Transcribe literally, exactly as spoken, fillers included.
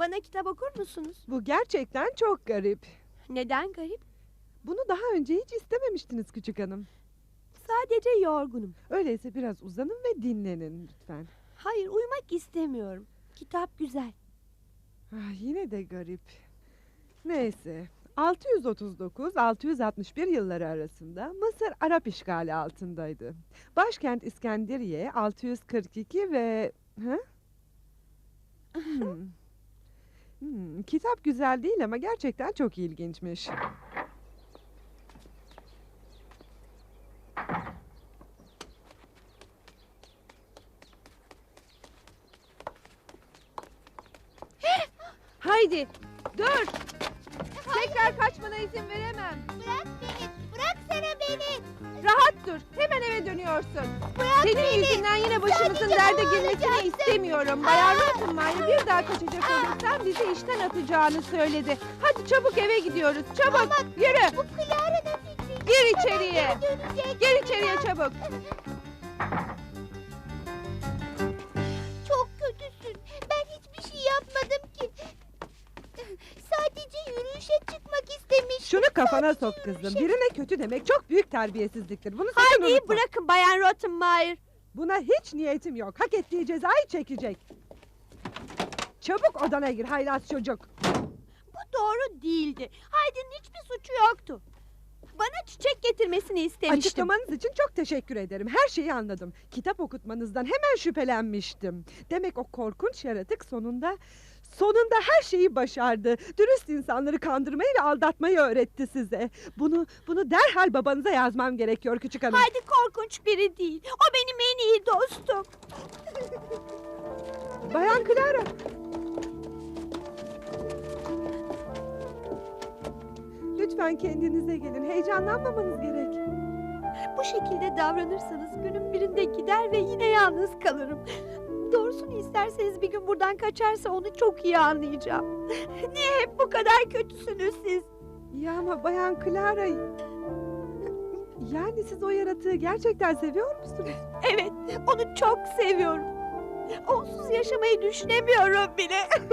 Bana kitap okur musunuz? Bu gerçekten çok garip. Neden garip? Bunu daha önce hiç istememiştiniz küçük hanım. Sadece yorgunum. Öyleyse biraz uzanın ve dinlenin lütfen. Hayır, uyumak istemiyorum. Kitap güzel. Ah, yine de garip. Neyse. altı yüz otuz dokuz altı yüz altmış bir yılları arasında Mısır Arap işgali altındaydı. Başkent İskenderiye altı yüz kırk iki ve... Ha? Hmm. Hmm, kitap güzel değil ama gerçekten çok ilginçmiş. Haydi dur! Tekrar kaçmana izin veremem. Bırak beni, bıraksana beni. Rahat dur. Hemen eve dönüyorsun. Bırak Senin beni. yüzünden yine başımızın Sadece derde hava girmesini alacaksın. istemiyorum. Bayan Rottenmeier bir daha kaçacak olursan bizi işten atacağını söyledi. Hadi çabuk eve gidiyoruz. Çabuk Ama yürü. Bu Clara'nın fikri. Gir içeriye. Dönecek. Gir içeriye çabuk. Çok kötüsün. Ben hiçbir şey yapmadım ki. Sadece yürüyüşe çıkmak istemiştim. Şunu kafana Sadece sok kızım. yürüyüşe- Birine kötü demek çok büyük terbiyesizliktir. Bunu sakın Hadi unutma. bırakın Bayan Rottenmeier. Buna hiç niyetim yok. Hak ettiği cezayı çekecek. Çabuk odana gir haylaz çocuk. Bu doğru değildi. Haydi'nin hiçbir suçu yoktu. Bana çiçek getirmesini istemiştim. Açıklamanız için çok teşekkür ederim. Her şeyi anladım. Kitap okutmanızdan hemen şüphelenmiştim. Demek o korkunç yaratık sonunda... Sonunda her şeyi başardı. Dürüst insanları kandırmayı ve aldatmayı öğretti size. Bunu bunu derhal babanıza yazmam gerekiyor küçük hanım. Haydi korkunç biri değil. O benim en iyi dostum. Bayan Clara. Lütfen kendinize gelin. Heyecanlanmamanız gerek. Bu şekilde davranırsanız günün birinde gider ve yine yalnız kalırım. Doğrusunu isterseniz bir gün buradan kaçarsa onu çok iyi anlayacağım. Niye hep bu kadar kötüsünüz siz? Ya ama Bayan Clara... Yani siz o yaratığı gerçekten seviyor musunuz? Evet, onu çok seviyorum. Onsuz yaşamayı düşünemiyorum bile.